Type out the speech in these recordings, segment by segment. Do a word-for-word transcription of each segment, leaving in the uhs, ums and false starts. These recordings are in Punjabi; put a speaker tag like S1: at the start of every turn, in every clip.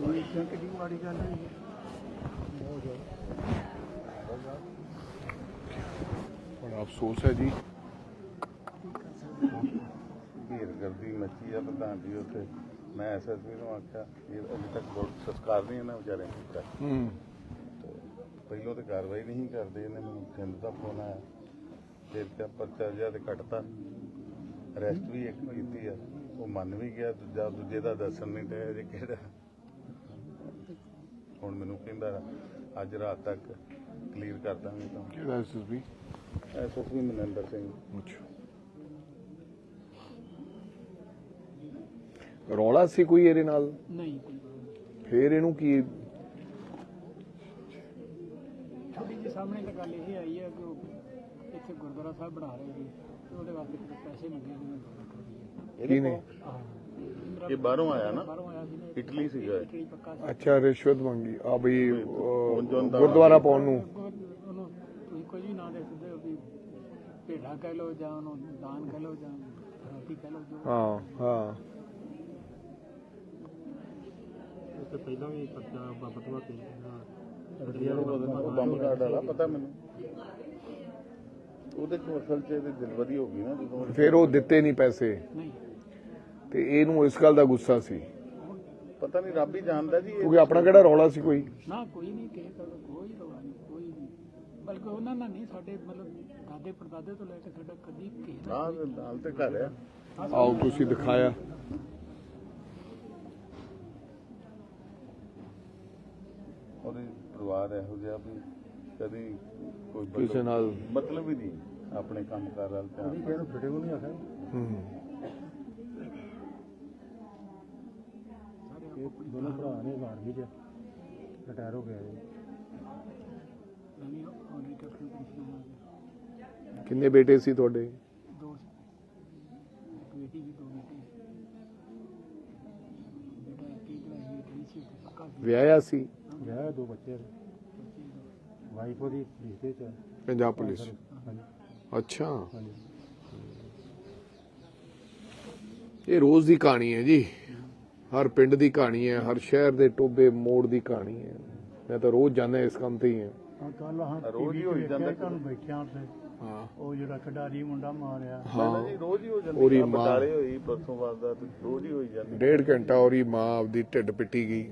S1: ਕਿੰਨੀ ਮਾੜੀ ਗੱਲ ਹੈ
S2: ਬੜਾ ਅਫਸੋਸ ਹੈ ਜੀ।
S3: ਢੇਰਗਰਦੀ ਮੱਚੀ ਆ ਪ੍ਰਧਾਨ ਜੀ ਉੱਥੇ। ਮੈਂ ਐਸ ਐਸ ਪੀ ਨੂੰ ਆਖਿਆ ਇਹ ਅਜੇ ਤੱਕ ਬਹੁਤ ਸੰਸਕਾਰ ਨਹੀਂ ਇਹਨਾਂ ਵਿਚਾਰਿਆਂ ਨੇ ਕੀਤਾ।
S2: ਹੂੰ
S3: ਪਹਿਲੋਂ ਤਾਂ ਕਾਰਵਾਈ ਨਹੀਂ ਕਰਦੇ। ਇਹਨੇ ਮੈਨੂੰ ਥਿੰਦ ਦਾ ਫੋਨ ਆਇਆ, ਫਿਰ ਕਿਆ ਪਰਚਾ ਜਿਹਾ ਤੇ ਕੱਟਤਾ। ਅਰੈਸਟ ਵੀ ਇੱਕ ਕੀਤੀ ਆ, ਉਹ ਮੰਨ ਵੀ ਗਿਆ। ਦੂਜਾ ਦੂਜੇ ਦਾ ਦੱਸਣ ਨਹੀਂ ਡਿਆ ਜੇ ਕਿਹੜਾ। ਹੁਣ ਮੈਨੂੰ ਕਹਿੰਦਾ ਅੱਜ ਰਾਤ ਤੱਕ ਕਲੀਅਰ ਕਰ ਦਾਂਗੇ ਤਾਂ।
S2: ਕਿਹੜਾ S S P?
S3: S S P Maninder Singh.
S2: ਅੱਛਾ, ਰੌਲਾ ਸੀ ਕੋਈ ਇਹਦੇ ਨਾਲ?
S1: ਨਹੀਂ।
S2: ਫੇਰ ਇਹਨੂੰ ਕੀ?
S1: ਥੋੜੀ ਜਿਹੀ ਸਾਹਮਣੇ ਤਾਂ ਗੱਲ ਇਹ ਆਈ ਹੈ ਕਿ ਉਹ ਇੱਥੇ ਗੁਰਦੁਆਰਾ ਸਾਹਿਬ ਬਣਾ ਰਹੇ ਸੀ ਤੇ ਉਹਦੇ ਵਾਸਤੇ ਪੈਸੇ ਮੰਗੇ ਸੀ।
S2: ਕੀ ਨੇ?
S3: ਇਹ ਬਾਹਰੋਂ ਆਇਆ ਨਾ,
S1: ਬਾਹਰੋਂ ਆਇਆ ਸੀ ਨਾ,
S3: ਇਟਲੀ ਸੀਗਾ।
S1: ਇਟਲੀ ਪੱਕਾ ਸੀ।
S2: ਅੱਛਾ, ਰਿਸ਼ਵਤ ਮੰਗੀ ਆ ਬਈ ਗੁਰਦੁਆਰਾ ਪਾਉਣ ਨੂੰ।
S1: ਉਹਨੂੰ ਤੁਸੀਂ ਕੋਈ ਵੀ ਨਾਂ ਦੇ ਸਕਦੇ ਹੋ ਵੀ ਭੇਡਾ ਕਹਿ ਲਓ ਜਾਂ ਉਹਨੂੰ ਦਾਨ ਕਹਿ ਲਓ ਜਾਂ ਰੋਟੀ ਕਹਿ ਲਓ ਜੋ।
S2: ਹਾਂ ਹਾਂ
S1: ਤੇ ਪਹਿਲਾਂ ਵੀ ਪੱਕਾ ਬਤਵਾ ਤੇ
S3: ਬੰਬ ਕਾਰਡ ਵਾਲਾ ਪਤਾ ਮੈਨੂੰ। ਉਹਦੇ ਚ ਅਸਲ ਚ ਇਹਦੀ ਦਿਲਬਦੀ ਹੋ ਗਈ ਨਾ ਜਦੋਂ।
S2: ਫਿਰ ਉਹ ਦਿੱਤੇ ਨਹੀਂ ਪੈਸੇ
S1: ਨਹੀਂ
S2: ਤੇ ਇਹਨੂੰ ਇਸ ਗੱਲ ਦਾ ਗੁੱਸਾ ਸੀ।
S3: ਪਤਾ ਨਹੀਂ, ਰੱਬ ਹੀ ਜਾਣਦਾ ਜੀ।
S2: ਕਿਉਂਕਿ ਆਪਣਾ ਕਿਹੜਾ ਰੌਲਾ ਸੀ ਕੋਈ?
S1: ਨਾ ਕੋਈ ਨਹੀਂ ਕਿਸੇ ਦਾ ਕੋਈ ਰੌਲਾ ਨਹੀਂ, ਕੋਈ ਨਹੀਂ। ਬਲਕਿ ਉਹਨਾਂ ਨਾਲ ਨਹੀਂ, ਸਾਡੇ ਮਤਲਬ ਦਾਦੇ ਪੜਦਾਦੇ ਤੋਂ ਲੈ ਕੇ ਸਾਡਾ ਕਦੀ ਕਿਸੇ ਦਾ
S3: ਨਾਲ ਨਾਲ ਤੇ ਘਰ ਆ।
S2: ਆਓ ਤੁਸੀਂ ਦਿਖਾਇਆ।
S3: ਉਹਦੇ ਪਰਿਵਾਰ ਇਹੋ ਜਿਹਾ ਵੀ ਕਦੀ ਕੋਈ
S2: ਕਿਸੇ ਨਾਲ
S3: ਮਤਲਬ ਹੀ ਨਹੀਂ ਆਪਣੇ ਕੰਮ ਕਾਰ ਵੱਲ ਧਿਆਨ।
S1: ਇਹਨੂੰ ਵੀਡੀਓ ਨਹੀਂ ਆਖਿਆ।
S2: ਹੂੰ
S1: ਇਹ ਦੋਨੋਂ ਭਰਾ ਨੇ ਆਰਮੀ ਚ ਰਿਟਾਇਰ ਹੋ ਗਏ ਜੀ। ਨਹੀਂ ਉਹਨੇ ਕੈਪਟਨ ਪੈਨਸ਼ਨ ਆ ਗਿਆ।
S2: ਕਿੰਨੇ ਬੇਟੇ ਸੀ ਤੁਹਾਡੇ?
S1: ਦੋ ਇੱਕ ਬੇਟੀ ਵੀ ਦੋ ਬੇਟੇ। ਬੇਟਾ ਇੱਕ ਹੀ ਕਲਾਸ ਵਿੱਚ ਸੀ ਤੇ ਪੱਕਾ ਸੀ।
S2: ਵਿਆਹਿਆ ਸੀ?
S1: ਵਿਆਹ ਦੋ ਬੱਚੇ ਨੇ। ਵਾਈਫ ਉਹਦੀ ਪੁਲਿਸ ਚ।
S2: ਪੰਜਾਬ ਪੁਲਿਸ? ਅੱਛਾ, ਇਹ ਰੋਜ਼ ਦੀ ਕਹਾਣੀ ਹੈ ਜੀ। ਹਰ ਪਿੰਡ ਦੀ ਕਹਾਣੀ ਹੈ, ਹਰ ਸ਼ਹਿਰ ਦੇ ਟੋਬੇ ਮੋੜ ਦੀ ਕਹਾਣੀ ਹੈ। ਮੈਂ ਤਾਂ ਰੋਜ਼ ਜਾਂਦਾ ਇਸ ਕੰਮ ਤੇ ਹੀ ਹਾਂ।
S1: ਕੱਲ ਹਾਂ
S3: ਰੋਜ਼ ਹੀ ਹੋਈ ਜਾਂਦਾ
S1: ਤੁਹਾਨੂੰ ਬੈਠਿਆਂ ਤੇ
S2: ਹਾਂ
S1: ਉਹ ਜਿਹੜਾ ਖਿਡਾਰੀ ਮੁੰਡਾ ਮਾਰਿਆ।
S3: ਹਾਂ ਜੀ, ਰੋਜ਼ ਹੀ ਹੋ ਜਾਂਦੀ।
S2: ਉਹਦੀ
S3: ਆ
S2: ਮਾਂ
S3: ਬਟਾਲੇ ਹੋਈ ਪਰਸੋਂ ਬਾਅਦ ਦਾ, ਰੋਜ਼ ਹੀ ਹੋਈ ਜਾਂਦੀ।
S2: ਡੇਢ ਘੰਟਾ ਉਹਦੀ ਮਾਂ ਆਪਦੀ ਢਿੱਡ ਪਿੱਟੀ ਗਈ।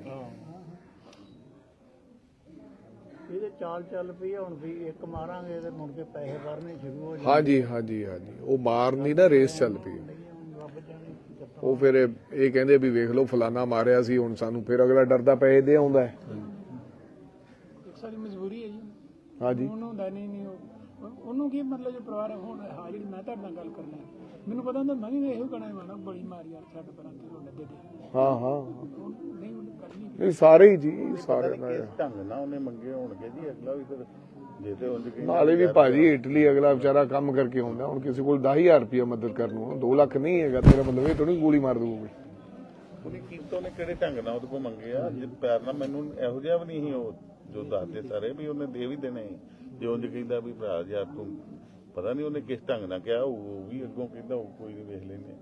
S1: ਇਹਦੇ ਚਾਲ ਚੱਲ ਪਈ ਹੁਣ ਵੀ ਇੱਕ ਮਾਰਾਂਗੇ ਤੇ ਮੁੜ ਕੇ ਪੈਸੇ ਭਰਨੇ ਸ਼ੁਰੂ ਹੋ ਜਾਣਗੇ।
S2: ਹਾਂਜੀ ਹਾਂਜੀ ਹਾਂਜੀ, ਉਹ ਮਾਰਨੀ ਨਾ ਰੇਸ ਚੱਲ ਪਈ।
S1: ਰੱਬ ਜਾਣੇ ਕੀ ਕਰਤਾ।
S2: ਉਹ ਫਿਰ ਇਹ ਕਹਿੰਦੇ ਵੀ ਵੇਖ ਲਓ ਫਲਾਨਾ ਮਾਰਿਆ ਸੀ, ਹੁਣ ਸਾਨੂੰ ਫਿਰ ਅਗਲਾ ਡਰਦਾ ਪੈਸੇ ਦੇ ਆਉਂਦਾ ਹੈ।
S1: ਇੱਕ ਸਾਡੀ ਮਜਬੂਰੀ ਹੈ ਜੀ।
S2: ਹਾਂਜੀ,
S1: ਉਹਨੂੰ ਹੁੰਦਾ ਨਹੀਂ ਨਹੀਂ ਉਹ- ਉਹਨੂੰ ਕੀ ਮਤਲਬ ਜੋ ਪਰਿਵਾਰ ਹੁਣ ਹਾਂ ਜਿਹੜੀ ਮੈਂ ਤੁਹਾਡੇ ਨਾਲ ਗੱਲ ਕਰਨਾ ਮੈਨੂੰ ਪਤਾ ਹੁੰਦਾ ਮੈਂ ਵੀ ਇਹੋ ਕਹਿਣਾ ਮਾਣਾ ਬੜੀ ਮਾਰੀ ਯਾਰ ਛੱਡ ਪਰਾਂ ਤੇ ਉਹ ਲੱਗੇ ਦੇ।
S2: ਹਾਂ ਹਾਂ,
S1: ਉਹ ਨਹੀਂ ਉਹਨੂੰ ਕਰਨੀ
S2: ਇਹ ਸਾਰੇ ਹੀ ਜੀ, ਸਾਰੇ ਨਾਲ।
S3: ਕਿਸ ਢੰਗ ਨਾਲ ਉਹਨੇ ਮੰਗੇ ਹੋਣਗੇ ਜੀ। ਅਗਲਾ ਵੀ ਫਿਰ ਜੇ ਤੇ ਉਂਝ ਕਹੀ
S2: ਨਾਲੇ ਵੀ ਭਾਜੀ ਇਟਲੀ ਅਗਲਾ ਵਿਚਾਰਾ ਕੰਮ ਕਰਕੇ ਆਉਂਦਾ। ਹੁਣ ਕਿਸੇ ਕੋਲ ਦਸ ਹਜ਼ਾਰ ਰੁਪਇਆ ਮਦਦ ਕਰਨ ਨੂੰ ਦੋ ਲੱਖ ਨਹੀਂ ਹੈਗਾ। ਤੇਰਾ ਮਤਲਬ ਇਹ ਥੋੜੀ ਗੋਲੀ ਮਾਰ ਦੂਗਾ।
S3: ਉਹਨੇ ਕੀਤਾ, ਉਹਨੇ ਕਿਹੜੇ ਢੰਗ ਨਾਲ ਉਹਦੇ ਕੋਲ ਮੰਗੇ ਆ? ਜੇ ਪਿਆਰ ਨਾਲ ਮੈਨੂੰ ਇਹੋ ਜਿਹਾ ਵੀ ਨਹੀਂ ਸੀ ਉਹ ਜੋ ਦੱਸਦੇ ਸਾਰੇ ਵੀ ਉਹਨੇ ਦੇ ਵੀ ਦੇਣੇ। ਜੇ ਉਂਝ ਕਹਿੰਦਾ ਵੀ ਭਰਾ ਯਾਰ ਤੂੰ ਪਤਾ ਨਹੀਂ ਉਹਨੇ ਕਿਸ ਢੰਗ ਨਾਲ ਕਿਹਾ। ਉਹ ਵੀ ਅੱਗੋਂ ਕਹਿੰਦਾ ਉਹ ਕੋਈ ਨਹੀਂ ਵੇਖ ਲੈਂਦੇ।